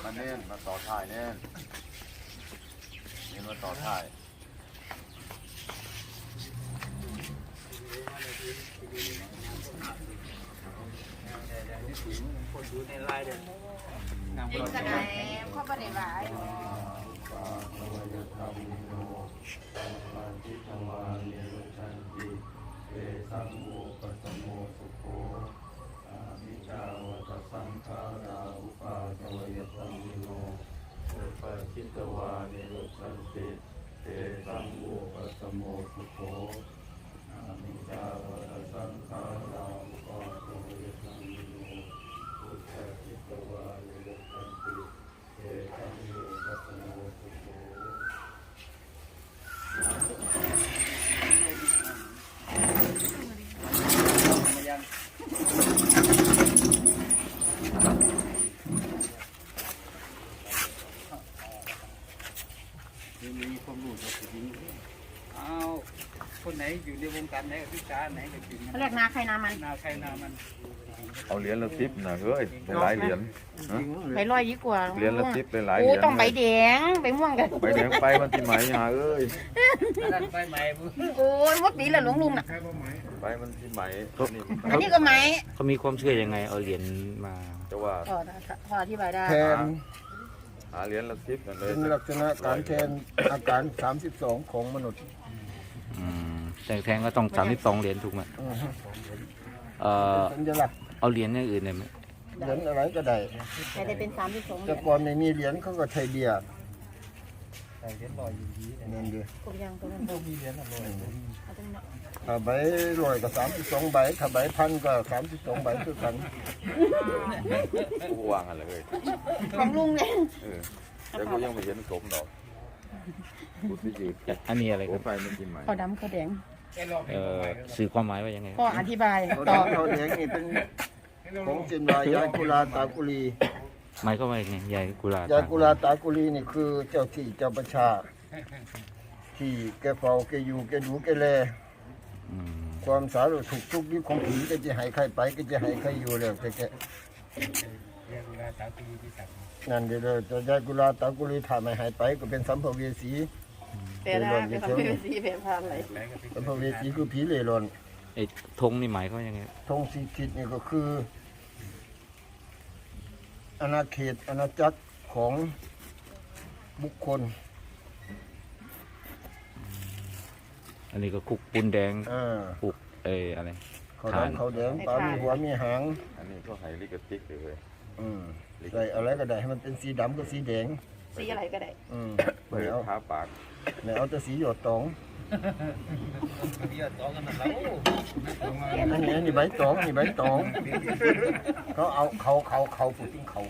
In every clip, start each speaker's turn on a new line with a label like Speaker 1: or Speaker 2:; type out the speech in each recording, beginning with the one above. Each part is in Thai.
Speaker 1: มาเน้นมาต่อถ่ายเน้นมาต่อถ่าย
Speaker 2: เป็นกระไดข้อประเดี๋ยวหลาย
Speaker 1: สังโฆปัสโมสุโขมิจาวัตสังขาราอุปาจวยตังมิโนปัจจิตวานิโรสันติเตสังโฆปัสโมสุโขมิจาวัตสังขาราอุปาจวยตังมิโนปัจจิตวานิโรสันติเตสังโฆปัสโมสุโข
Speaker 3: มีความรู้จะถึงเอาคนไหนอยู่ในวงการไหนกับพิการไหนก็ถึง
Speaker 2: เขาเรียกนาใครนามัน
Speaker 3: นาใครนามัน
Speaker 1: เอาเหรียญละ10นะเฮ้ยหลายเหรียญ
Speaker 2: ไปลอยยิ่งกว่า
Speaker 1: เหรียญละ10หลายเห
Speaker 2: โอ้
Speaker 1: รียญ
Speaker 2: ต้องใบแดงใบม่วงกัน
Speaker 1: ไปแดงไปมันที่ไหมหาเอ้ย
Speaker 3: นั่นไปใหม่บุ
Speaker 2: โอ้ยมดปีละหลวงลุงน่ะ
Speaker 1: ไปมันที่ไหม
Speaker 2: อันนี้ก็ไหม
Speaker 4: เขามีความเชื่อยังไงเอาเหรียญมา
Speaker 1: จะว่า
Speaker 2: พออธิบายได้
Speaker 5: แทน
Speaker 1: หาเหรียญละ10นั่นเลย
Speaker 5: เป็นลักษณะการแทนอาการ 32 ของมนุษย์
Speaker 4: แต่แทงก็ต้อง32เหรียญถูกไหม
Speaker 5: อือฮึ
Speaker 4: เป็น
Speaker 5: สัญลักษณ์
Speaker 4: เอาเหรียญอย่างอื่นได้ไหม
Speaker 5: เหรียญอะไรก็ได้
Speaker 2: แต่จะเป็น32
Speaker 5: แต่ก่อนไม่มีเหรียญเขาก็ใช้เบียร์
Speaker 3: ใส่เหรียญลอยอยู่ดี
Speaker 5: นั่นดิ
Speaker 2: กบยางตัวนั้น
Speaker 3: มีเหรียญอะไร
Speaker 2: เอาตรงนั้น
Speaker 5: ถ้าใบร้อยก็32ใบถ้าใบพันก็32ใบคือกัน
Speaker 1: กูวางอะไรเลย
Speaker 2: ของลุงเนี่ย
Speaker 1: แต่กูยังไม่เห็นสมดอกกูที่ยืด
Speaker 4: อันนี้อะไร
Speaker 1: โอ้
Speaker 4: ครับ
Speaker 1: ไฟมันกินไหม
Speaker 2: ข้าวดำข้าวแดง
Speaker 4: สื่อความหมายว่ายังไง
Speaker 2: ก็อธิบาย
Speaker 5: เขา
Speaker 2: ต่อ
Speaker 5: ดำเขาแดงนี่เป็นของเจนวายายกุลาตากุลี
Speaker 4: หมายก็ว่ายังไงยายกุลาย
Speaker 5: ายกุลาตากุลีนี่คือเจ้าที่เจ้าประชา ที่แกเฝ้าแกอยู่แกดูแกแล
Speaker 4: อืม
Speaker 5: ความสาธารณสุขทุกข์ยุคของผีก็จะให้ใครไปก็จะให้ใครอยู่แล้วแก
Speaker 3: เรียกเวลาสาวปีที่สั่ง
Speaker 5: นั่นเด้อจะยายกุลาตากุลีถ้าไม่ให้ไปก็เป็นสัมภเวสี
Speaker 2: แต่ถ้าเป็นคำเป็นสีเป็นพานอะไร
Speaker 3: แล้วก็เป็น
Speaker 5: สัมภเวสีคือผีเร่ร่อน
Speaker 4: ไอ้ธงนี่หมายเขาว่ายังไง
Speaker 5: ธงสีทิศนี่ก็คืออาณาเขตอาณาจักรของบุคคล
Speaker 4: อันนี้ก็คุกปูนแดง
Speaker 5: อ่า
Speaker 4: คุกอะไร
Speaker 5: เขาดำเขาแดงปลามีหัวมีหาง
Speaker 1: อันนี้ก็ให้ลิกติกเลย
Speaker 5: อืมใส่อะไรก็ได้ให้มันเป็นสีดำกับสีแดง
Speaker 2: สีอะไรก็ได้
Speaker 5: อืม
Speaker 1: เปิด
Speaker 5: ไม่เอา
Speaker 1: ทาปาก
Speaker 5: ไม่เอาแต่สีหยดตอง
Speaker 3: เรียกต่อกันแล้ว
Speaker 5: อันนี้ใบตองนี่ใบตองเขาเอาเขาพูดถึงเขา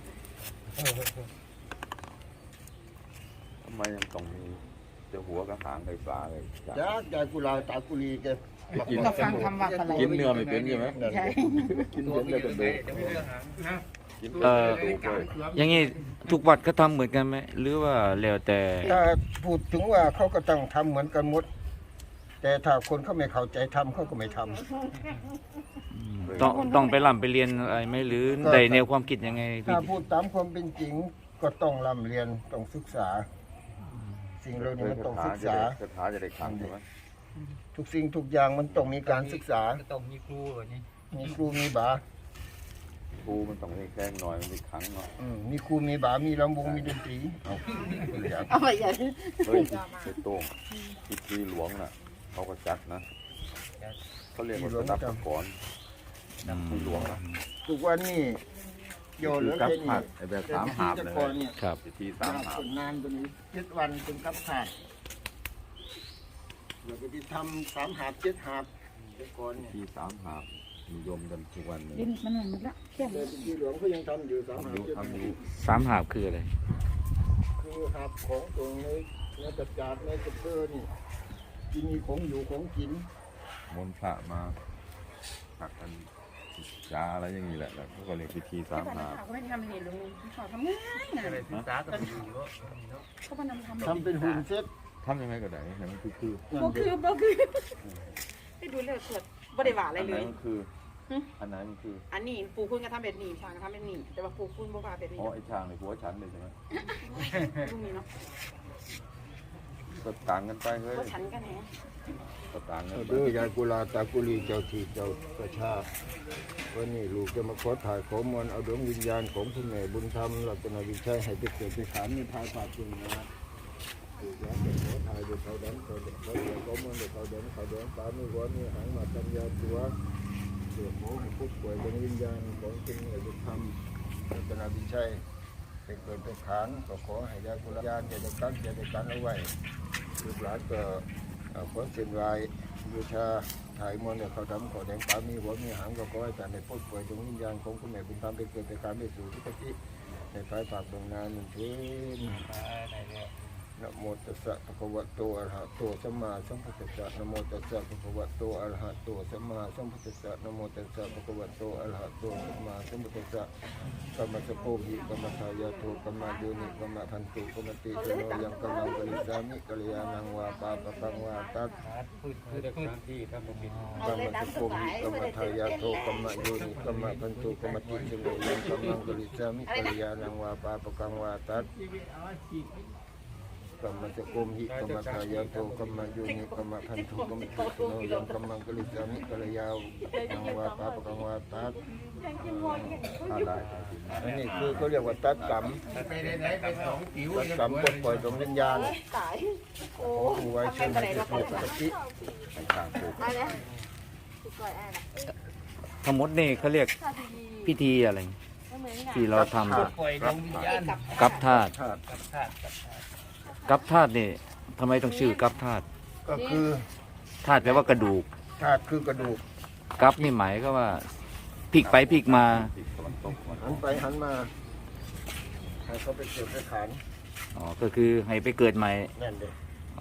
Speaker 1: ทำไมยังต้องมีจะหัวกับหางไฟฟ้าเลย
Speaker 5: จ้ายายกุลาตากุลีแก
Speaker 2: ก็ฟังคำว่าอะไร
Speaker 1: กินเนื้อไม่เป็นใช่ไหม
Speaker 5: นั่น
Speaker 2: ใช่
Speaker 1: กินเนื้อไม่เป็นเลย
Speaker 3: เดี๋ยวไม่เรื่องหางนะ
Speaker 1: กินเนื้อไม่เป็นเลย
Speaker 4: อย่างนี้ทุกวัดก็ทำเหมือนกันไหมหรือว่าแล้วแต่
Speaker 5: ถ้าพูดถึงว่าเขาก็ต้องทำเหมือนกันหมด แต่ถ้าคนเขาไม่เข้าใจทำเขาก็ไม่ทำ
Speaker 4: ต้องไปร่ำไปเรียนอะไรไหมหรือได้แนวความคิดยังไงพี่
Speaker 5: ถ้าพูดตามความเป็นจริงก็ต้องร่ำเรียนต้องศึกษา สิ่งเหล่านี้มันต้องศึกษา
Speaker 1: คาถาจะได้ขังใช่ไหม
Speaker 5: ทุกสิ่งทุกอย่างมันต้องมีการศึกษา
Speaker 3: ต้องมีครูแบบนี้
Speaker 5: มีครูมีบา
Speaker 1: ครูมันต้องให้แข้งหน่อยมันมีขังเนาะ
Speaker 5: มีครูมีบามีลำวงมีดนตรีเอาอย่าง
Speaker 2: เอาไปอย่าง
Speaker 1: เฮ้ยไอ้โต้งพิธีหลวงน่ะเขาก็จัดนะเขาเรียกว่าสนับสกรพิธีหลวงนะ
Speaker 5: ทุกวันนี้โยเหลือ
Speaker 1: กับ
Speaker 5: แค่นี้
Speaker 1: ผัดไอ้แบบสามหาบ
Speaker 5: แต่
Speaker 1: เลย
Speaker 5: ก่อนเนี่ย
Speaker 4: ครับ
Speaker 1: พิธีสามหาบ
Speaker 5: นานตัวนี้7 วันเป็นกับขาดเราจะไปทำ3 หาบ7 หาบแต่ก่อนเนี่ย
Speaker 1: พิธีสามหาบนิยมกันทุกวันนี้
Speaker 2: ลิ้นมันหมดละเที่ยง
Speaker 5: แต่ที่หลวงเขายังทำอยู่3 หาบ
Speaker 1: ทำอยู่
Speaker 5: 7 หาบ
Speaker 1: ทำอยู่
Speaker 4: สามหาบคืออะไร
Speaker 5: คือหาบของตรงในกระจาดในกระเพอนี่ที่มีของอยู่ของกิน
Speaker 1: มนต์พระมาหักกันยาอะไรอย่างนี้แหละแล้วเขาก็เรียกพิธีสามหาบ
Speaker 2: เขาไม่ทำเลยลุงเขาทำง่ายนะ
Speaker 3: อะไรศึกษากันอยู่เนาะ
Speaker 2: เขามานำทำ
Speaker 5: ทำเป็นหุ่นเซ็ต
Speaker 1: ทำยังไงก็ได้ให้มันคือ
Speaker 5: นั่น
Speaker 2: บ่
Speaker 5: เด็
Speaker 2: คือบ่คือให้ดูเลยเกิดบ่ได้หวาอะไร
Speaker 1: อัน
Speaker 2: เล
Speaker 1: ไหน
Speaker 2: ย
Speaker 1: มันคืออันไหนมันคือ
Speaker 2: อันนี้ปูคุณก็ทำแบบนี้ช้างก็ทำแบบนี้แต่ว่าปูคุณบ่ว่าแบบนี้
Speaker 1: อ๋อไอ้ช้างในหัวฉันเลยใช่ไหม
Speaker 2: ลูกนี้เนาะ
Speaker 1: ก็ต่างกันไปเฮ้ย
Speaker 2: ก็ฉันกันแหน
Speaker 1: ก็ต่างกัน
Speaker 5: เอา
Speaker 1: ไป
Speaker 5: เด้อยายกุลาตากุลีเจ้าที่เจ้าประชาวันนี้ลูกจะมาขอถ่ายขอมวลเอาดวงวิญญาณของคุณแม่บุญธรรมรัตนวิชัยให้ไปเกิดไปขานในทายฝากคุณนะลูกหลานจะขอถ่ายโดยเขาดันเขาเด็กเขาเด็กเขามวลโดยเขาเดินเขาเดินตามมือหัวนี่หางมาตัญญาตัวเสือโหให้ผู้ป่วยดวงวิญญาณของคุณแม่บุญธรรมรัตนวิชัยไปเกิดไปขานก็ขอให้ยายกุลาญาณจะได้กันจะได้กันเอาไว้ลูกหลานก็ขอเส้นไหวบูชาถ่ายมนต์เนี่ยเขาทำขอแดงปามีหัวมีหางก็ขอให้แต่ในพ้นป่วยดวงวิญญาณของคุณแม่บุญธรรมไปเกิดไปการไปสู่ที่ปฏิในภายปากดวงนานหนึ่งคืนนะโมตัสสะภะคะวะโตอะระหะโตสัมมาสัมพุทธัสสะนะโมตัสสะภะคะวะโตอะระหะโตสัมมาสัมพุทธัสสะนะโมตัสสะภะคะวะโตอะระหะโตสัมมาสัมพุทธัสสะกัมมัสสะโพหิกัมมัสสายาโทกัมมาโยนิกัมมะพันตุกัมมติโนยังกัมมังกริสามิกัลยาณังวาปาปะปังวาตัส
Speaker 3: คือพื้นที่ครับผมปิด
Speaker 5: กัมมัสสะโพหิกัมมัสสายาโทกัมมะโยนิกัมมะพันตุกัมมติโนยังกัมมังกริสามิกัลยาณังวาปาปะปังวาตัสกัมมัสสะโพหิกัมมัสสายาโทกัมมะโยนิกัมมะพันตุกัมมติโนยังกัมมังกริสามิกัลยาณังวาปาปะปังวาตัส
Speaker 1: อะไร
Speaker 5: อันนี้คือเขาเรียกว่าตัดกรรม
Speaker 3: ไปไหนไปสองผิว
Speaker 5: ตัดกรรมปลดปล่อยดวงวิญญาณ
Speaker 2: ตายโอ้
Speaker 5: ของครูไว้เช่นให้ถูกปกติ
Speaker 1: ต่างปลูก
Speaker 2: อะไรสุดยอดอะไร
Speaker 4: ทั้งหมดนี่เขาเรียกพิธีอะไรที่เราทำ
Speaker 3: ปล่อยดวงวิญญาณ
Speaker 4: กับธาตุ
Speaker 5: ธาตุ
Speaker 3: กับธาตุ
Speaker 4: กับธาตุนี่ทำไมต้องชื่อกับธาตุ
Speaker 5: ก็คือ
Speaker 4: ธาตุแปลว่ากระดูก
Speaker 5: ธาตุคือกระดูก
Speaker 4: กับนี่หมายก็ว่าพลิกไปพลิกมา
Speaker 1: ติดตะวันตกมา
Speaker 5: หันไปหันมาให้เขาไปเกิดไปขาน
Speaker 4: อ๋อก็คือให้ไปเกิดใหม่
Speaker 5: นั่นเด็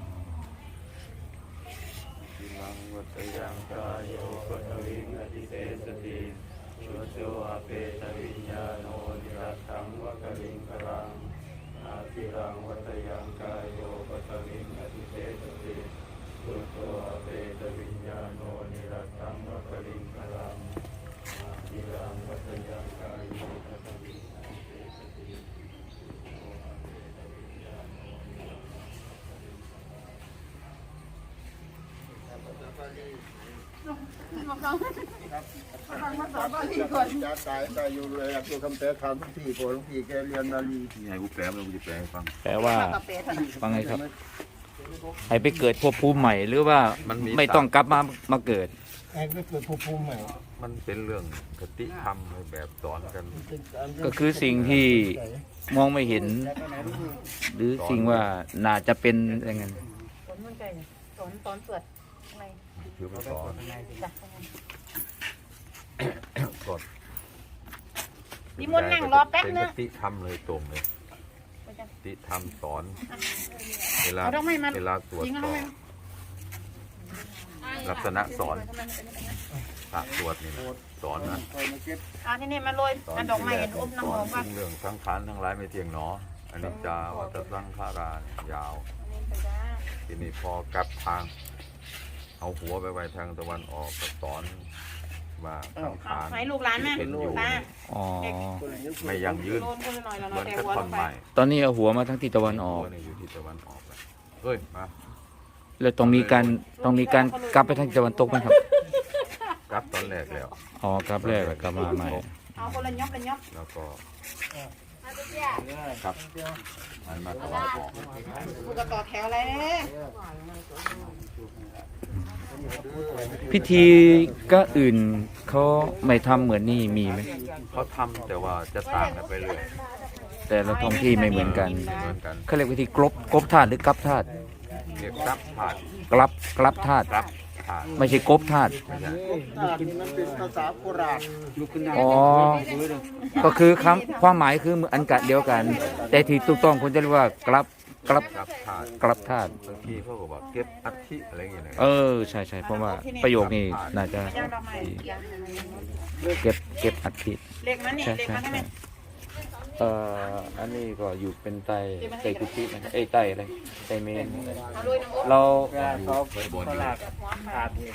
Speaker 1: ทินังวัตยังกายโยปะทวิงอธิเสสติชุโตอเปตวิญญาโนนิรัตถังวะกลิงกรังอาทิรังวัตยังกายโยปะทวิงอธิเสสติชุโตอเปตวิญญาโนนิรัตถังวะกลิงกรังอาทิรังวัตยังกายโยปะทวิงอธิเสสติ
Speaker 5: จะตายตายอยู่เลยตัวคำแปลคำทุกที่พอหลวงพี่แกเรียนนาลี
Speaker 1: นี่ไงกูแปลมันกูจะแปลให้ฟัง
Speaker 4: แปลว่า
Speaker 2: กาแฟเท่านั้น
Speaker 4: ฟังไงครับ ให้ไปเกิดภพภูมิใหม่หรือว่าไม่ต้องกลับมาเกิด
Speaker 5: ไอ้ก็เกิดภูมิใหม่
Speaker 1: มันเป็นเรื่องคติธรรมในแบบสอนกัน
Speaker 4: ก็คือสิ่งที่มองไม่เห็น หรือสิ่งว่าน่าจะเป็นอย่างนั้น
Speaker 2: ฝนมันใจฝนตอนเปิดอะไร
Speaker 1: คือมันสอน
Speaker 2: จ้ะ
Speaker 1: สอน
Speaker 2: นิมนต์นั่งรอแป๊บนึง
Speaker 1: เป็นคติธรรมเลยตรงเลยคติธรรมสอนเวลา
Speaker 2: เอาดอกไม้มา
Speaker 1: เวลาตรวจ
Speaker 2: ยิง
Speaker 1: ส
Speaker 2: เอา
Speaker 1: อบ
Speaker 2: ไหม
Speaker 1: ลักษณะสอนพระตรวจนี่นะสอนนะ
Speaker 2: อ่านี่มาโรย
Speaker 1: สอน
Speaker 2: อันดอกไม้เห็นอม
Speaker 1: ส
Speaker 2: น้ำห
Speaker 1: อ
Speaker 2: อน มป่ะ
Speaker 1: ถึงเรื่องสังขารทั้งหลายไม่เที่ยงหนออันนี้จาวัตสังขาราเนี่ยยาว ทีนี้พอกลับทาง เอาหัวไปไว้ทางตะวันออกก็สอนว่าสังขาร
Speaker 2: ให้ลูกหลานแม่
Speaker 1: ที่เป็นอยู่
Speaker 2: ตา
Speaker 4: อ๋อ
Speaker 1: ไม่ยั่งยืน
Speaker 2: โดนคนละหน่อยแล้ว
Speaker 1: เหมื
Speaker 2: เนาะ
Speaker 1: อน
Speaker 2: แต่
Speaker 1: กับ
Speaker 2: หัว
Speaker 1: ท่
Speaker 2: ล
Speaker 1: อน
Speaker 2: งไป
Speaker 1: ไม้
Speaker 4: ตอนนี้เอาหัวมาทั้งทิศตะวันออก
Speaker 1: หัวเนี่ยอยู่ที่ตะวันออกแล้วเฮ้ยมา
Speaker 4: แล้วต้องมีการกลับไปทางทิศตะวันตกไหมครับ
Speaker 1: กลับตอนแรกแล้ว
Speaker 4: อ๋อกลับแรกแล้วกลับมาใหม่
Speaker 2: เอาคนละยอบละยอบ
Speaker 1: แล้วก็ครับหันมาตะวันออก
Speaker 2: กูก็ต่อแถวเลย
Speaker 4: พิธีก็อื่นเขาไม่ทำเหมือนนี่มีไหม
Speaker 1: เขาทำแต่ว่าจะต่างกันไปเรื่อย
Speaker 4: แต่ละท้องที่ไม่เหมือนกัน
Speaker 1: ไม่เหมือนกัน
Speaker 4: เขาเรียกวิธีกบธาตุหรือกลับธาตุ
Speaker 1: เรียกกลับถาด
Speaker 4: กลับธาตุ
Speaker 1: กลับถาด
Speaker 4: ไม่ใช่กบธาตุ
Speaker 1: ไม่ใช่
Speaker 5: ธาตุนี่มันเป็นภาษาโบราณ
Speaker 3: ลุกขึ้นนั่ง
Speaker 4: อ๋อก็คือความหมายคืออันกะเดียวกัน แต่ที่ถูกต้องคุณจะเรียกว่ากลับ
Speaker 1: กลับถาด
Speaker 4: ธาตุ
Speaker 1: บางทีเขาก็บอกเก็บอัฐิอะไรอย่างเงี้ยนะ
Speaker 4: ใช่เพราะว่าประโยคนี้น่าจะ
Speaker 2: ย่างดอกไม้
Speaker 4: เก็บอัฐิ
Speaker 2: เล็กมันนี่
Speaker 4: ใช่
Speaker 2: เล็กมันได้ไหม
Speaker 4: อันนี้ก็อยู่เป็นไตกุฏินะครับไตอะไรไตเมน
Speaker 2: เอาลุยน้ำอบ
Speaker 4: เรา
Speaker 3: เขาเขาลากขาดนี่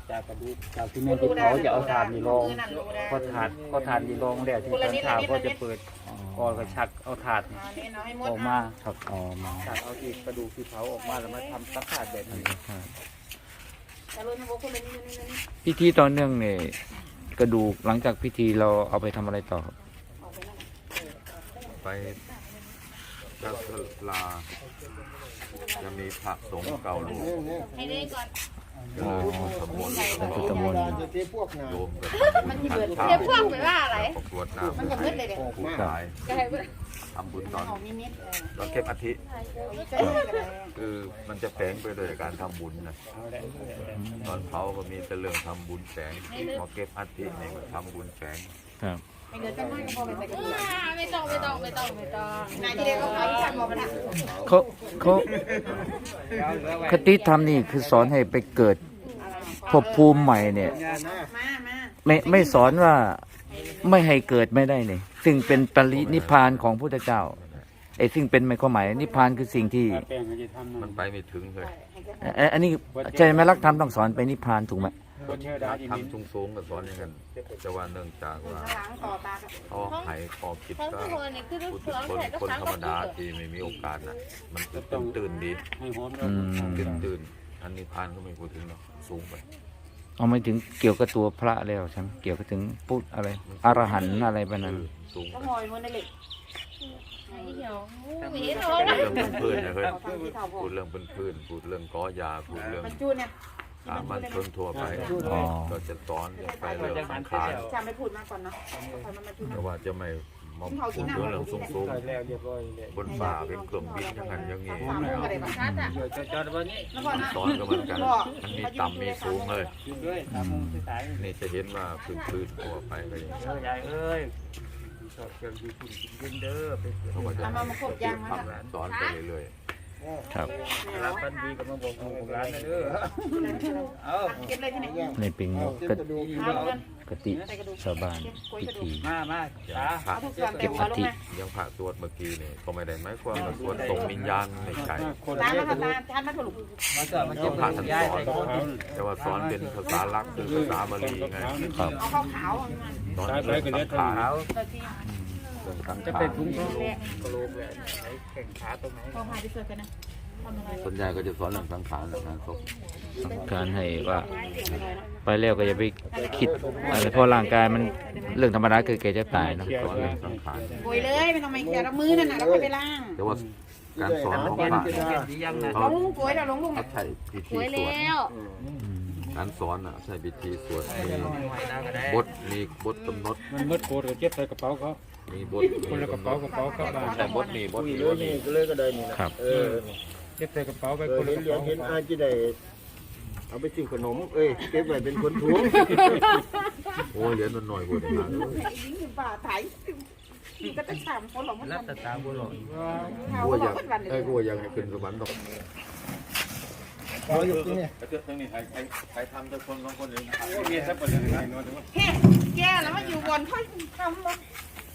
Speaker 3: จากกระดูกจากที่แม่ที่เขาจะเอาถ่านนี่รองพอถ่านนี่รองแล้วที่ตอนเช้าก็จะเปิดก่อนก็ชักเอาถ่าน
Speaker 2: นี่เอาให้หมด
Speaker 3: ออกมา
Speaker 4: ครับอ๋อมา
Speaker 3: ชักเอาที่กระดูกที่เผาออกมาแล้วมาทำสักถาดแบบนี้
Speaker 2: แต่รุ่นทั้งพวกคนนี้นี่
Speaker 4: พิธีตอนเนื่องเนี่ยกระดูกหลังจากพิธีเราเอาไปทำอะไรต่อครับ
Speaker 2: ออกไปนั่น
Speaker 1: ไปจับลาจะมีพระสงฆ์เก่าหลวง
Speaker 2: ให้ได้ก่อน
Speaker 4: อ๋อ
Speaker 1: สมบูรณ์
Speaker 4: เป็นพุทธมนต์
Speaker 5: จะเทพวกนา
Speaker 1: โยมกับ
Speaker 2: มันมีเบิด
Speaker 1: เช้า
Speaker 2: เดี๋ยวพวกไปว่าอะไร
Speaker 1: ประกวดน้ำ
Speaker 2: มันจะมืดเลยเด็ก
Speaker 1: ผู้ชาย
Speaker 2: ก็ให้เบิด
Speaker 1: ทำบุญตอน
Speaker 2: เอามีมิด
Speaker 1: ตอนเก็บอาทิ
Speaker 2: ก็ได้ก็ได้
Speaker 1: คือมันจะแฝงไปด้วยการทำบุญนะตอนเผาก็มีแต่เรื่องทำบุญแฝงพอเก็บอาทินี่ก็ทำบุญแฝง
Speaker 4: ครับ
Speaker 2: ไม่เดือดจะไม่ก็พอไปใส่กระดูก
Speaker 6: ไม่ต้อง
Speaker 2: นายที่เด็กก็เขาทำบอกมันอ่ะ
Speaker 4: เขาคติธรรมนี่คือสอนให้ไปเกิดภพภูมิใหม่เนี่ย
Speaker 2: มา
Speaker 4: ไม่สอนว่าไม่ให้เกิดไม่ได้เนี่ยซึ่งเป็นปรินิพพานของพุทธเจ้าไอ้ซึ่งเป็นไม่ความหมายนิพพานคือสิ่งที่
Speaker 3: แป้งก็จะทำ
Speaker 1: มันไปไม่ถึงเลย
Speaker 4: อันนี้ใจไหมลักธรรมต้องสอนไปนิพพานถูกไหม
Speaker 3: คนเชื่อได้ที่มิ้น
Speaker 1: ทำสูงๆกับสอนอย่างนั้นแต่ว่าเนื่องจากว่า
Speaker 2: ล้างต่อตา
Speaker 1: เขาหายคอคิด
Speaker 6: ทั้ง
Speaker 1: ก็
Speaker 6: ทุกคนนี่คือ
Speaker 1: พูด
Speaker 6: เค
Speaker 1: ถึ
Speaker 6: รื่อง
Speaker 1: งคน
Speaker 6: ใส่ก็
Speaker 1: คน
Speaker 6: ทั้ง
Speaker 1: ธรรม
Speaker 6: ก็
Speaker 1: ดาที่ไม่มีโอกาสน่ะมันตื่นดี
Speaker 3: ให้หอม
Speaker 1: ตื่นอันนี้พานก็ไม่พูดถึงหรอกสูงไป
Speaker 4: เอาไม่ถึงเกี่ยวกับตัวพระแล้วใช่ไหมเกี่ยวกับถึงพุทธอะไรอรหันต์อะไรแบบนั้น
Speaker 1: สูง
Speaker 2: ก็
Speaker 1: ไป
Speaker 2: หอยมันในเหล็ก
Speaker 6: เหี่ยวหวีทอง
Speaker 1: พูดเรื่องพื้นๆนะเฮ้ย
Speaker 2: ฟังที่เท่าพอ
Speaker 1: พูดเรื่องพื้นๆพูดเรื่องก้อยาพูดเรื่อง
Speaker 2: มันจูนเนี่ย
Speaker 1: สามัญชนทั่วไป
Speaker 4: อ๋อ
Speaker 1: ก็จะสอนไปเรื่องสังขาร
Speaker 2: จำไม่พูดมากก่อนเนาะมันมาจูน
Speaker 1: แต่ว่าจะไม่มาพูดเรื่องสูง
Speaker 3: แล้วเรียบร้อยเลย
Speaker 1: ๆบนฝ่าเป็นเครื่องบินอย่างนั้นอย่างนี้
Speaker 2: สามโมงอะไรบ้าง
Speaker 6: ชัดอ่ะ
Speaker 3: เดี๋ยวจอดวันนี้
Speaker 2: แล้วก่อนนะ
Speaker 1: สอนก็เหมือนกันมันมีต่ำมีสูงเลย
Speaker 3: ด้วย3 โมงสาย
Speaker 1: นี่จะเห็นว่าพื้นๆทั่วไปก็อย่างนี้
Speaker 3: ยายเอ้ยชอบเครื่องดีคุณกินเด้อไป
Speaker 1: เขาก็จะทำสอนไปเรื่อย
Speaker 4: ครับ
Speaker 3: รับกันดีกับมาบอกลูกหลานเด้อเอา
Speaker 2: เก็บเลยที่ไหน
Speaker 4: ในเป็นกติกติชาวบ้านพิธี
Speaker 3: มา
Speaker 1: ๆอย่า
Speaker 3: จ้าง
Speaker 1: พระ
Speaker 2: เอาทุกส่วนเต็มหัวลงมา
Speaker 1: ยังพระสวดเมื่อกี้นี่ก็ไม่ได้หมายความว่าสวดส่งวิญญาณไม่ใช่
Speaker 3: คน
Speaker 2: ตา
Speaker 3: เย
Speaker 2: มา
Speaker 3: อะ
Speaker 2: ค่ะตาทานมาถูก
Speaker 3: มาสอนมันจะพาท่านย้ายไปเขา
Speaker 1: แต่ว่าสอนเป็นภาษาลักคือภาษาบาลีไง
Speaker 4: ครับ
Speaker 2: เอาข้าวขาว
Speaker 1: สอนเรื่องสังขาร
Speaker 2: เราที่
Speaker 1: เรื่องสัง
Speaker 3: จะ
Speaker 1: ขา
Speaker 3: เป็
Speaker 1: ร
Speaker 3: นถุงกระโหลกเลยแข่งขาตรงไหน
Speaker 2: พอพาไปเจอกันนะทำอะไร
Speaker 1: ส่วนใหญ่ก็จะสอนเรื่องสังขารนะศพ
Speaker 4: การให้ว่าไปแล้วก็อย่าไปคิดอะไรเพราะร่างกายมันเรื่องธรรมดาคือแกจะตายเนอะ
Speaker 1: สอนเรื่องสังขาร
Speaker 2: โวยเลยไม่ต้องไม่เขียนมือนั่นน่ะแล้วก็ไปล้าง
Speaker 1: แต่ว่าการสอนของพระ
Speaker 3: ดียังนะ
Speaker 2: ลงโวยเราลงลุง
Speaker 1: เขาใช้พิธี
Speaker 6: สวย
Speaker 1: สวด
Speaker 6: แล้ว
Speaker 1: การสอนใช้พิธีสวดมีบทกำหนด
Speaker 3: มันมืดโกรธก็เก็บใส่กระเป๋าเขา
Speaker 1: มีบท
Speaker 3: คนละกระเป๋ากลับบ้าน
Speaker 1: แต่บทนี้บทนี้
Speaker 5: เลย นี่ก็เลยก็ได้นี่นะครับ
Speaker 3: เก็บใส่กระเป๋าไป
Speaker 5: เอ
Speaker 3: ค
Speaker 5: อน
Speaker 3: ละ
Speaker 5: เห็น
Speaker 3: กระ
Speaker 5: เหรีย
Speaker 3: เป๋า
Speaker 5: ญเห็นอาจะได้เอาไปซื้อขนมเก็บไว้เป็นคนถุง
Speaker 1: โอ้ยเหรียญมันหน่อยกว่าเดิม
Speaker 2: ยิงอยู่ป่าไถก็จะฉ่ำคนหลงมัน
Speaker 3: รัตตาบุหรี่
Speaker 1: กูอยากกูอยากให้ขึ้นสวรรค์ดอก
Speaker 5: เอาอยู่ที่นี่
Speaker 1: ทั้งนี้ใครทำแต่คนของคนอื่น
Speaker 3: มีสักคนหนึ่ง
Speaker 2: เฮ้แกแล้วมาอยู่บนค่อยทำมา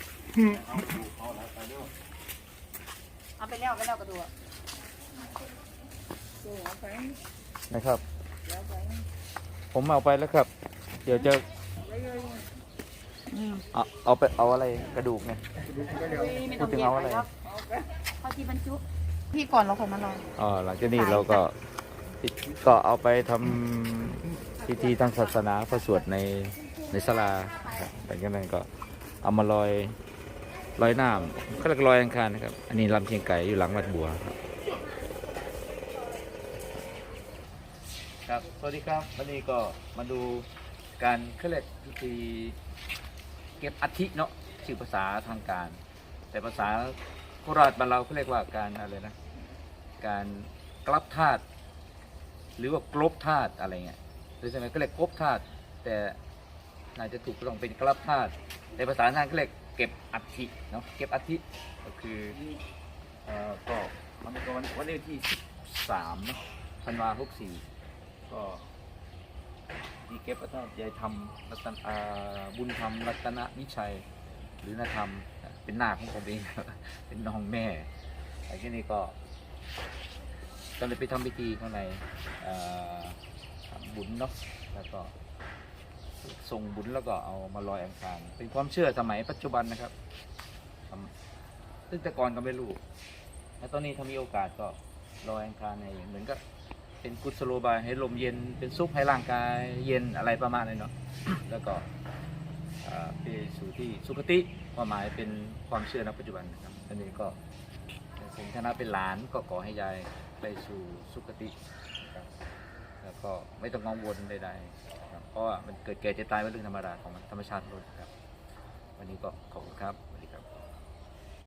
Speaker 2: เอาไปแล้วกระดูก
Speaker 4: นะครับ ผมเอาไปแล้วครับ เดี๋ยวจะเอาไปเอาอะไรกระดูกไง พูดถึงเอาอะไร
Speaker 2: เขาที่บรรจุพี่ก่อนเราค่อยมาลอง
Speaker 4: อ๋อหลังจากนี้เราก็เอาไปทำพิธีทางศาสนาประสวดในศาลาครับหลังจากนั้นก็เอามาลอยน้ำเขาเรียกลอยอังคารนะครับ อันนี้ลำเชียงไก่อยู่หลังวัดบัวครับครับสวัสดีครับวันนี้ก็มาดูการเขาเรียกพิธีเก็บอัฐิเนาะชื่อภาษาทางการ แต่ภาษาโคราชบ้านเราเขาเรียกว่าการอะไรนะการกลับธาตุหรือว่ากลบธาตุอะไรเงี้ยหรือสมัยก็เรียกกลบธาตุแต่น่าจะถูกต้องเป็นกลับธาตุในภาษาทางก็เรียกเก็บอัฐิเนาะเก็บอัฐิก็คือก็มันก็วันนี้ที่13เนาะธันวาคม64ก็ที่เก็บอัฐิยายธรรมรัตนบุญธรรมรัตนวิชัยหรือนาธรรมเป็นหน้าของผมเอง เป็นน้องแม่ไอ้ที่นี่ก็เลยไปทำพิธีข้างในทำบุญเนาะแล้วก็ส่งบุญแล้วก็เอามาลอยอังคารเป็นความเชื่อสมัยปัจจุบันนะครับซึ่งแต่ก่อนก็ไม่รู้แล้วตอนนี้ถ้ามีโอกาสก็ลอยอังคารในเหมือนก็เป็นกุศโลบายให้ลมเย็นเป็นซุปให้ร่างกายเย็นอะไรประมาณนี้เนาะ แล้วก็ไปสู่ที่สุคติความหมายเป็นความเชื่อในปัจจุบันนะครับอันนี้ก็ในฐานะเป็นหลานก็ขอให้ยายไปสู่สุคตินะครับแล้วก็ไม่ต้องกังวลใดๆครับเพราะว่ามันเกิดแก่เจ็บตายเป็นเรื่องธรรมดาของธรรมชาติโลกครับวันนี้ก็ขอบคุณครับ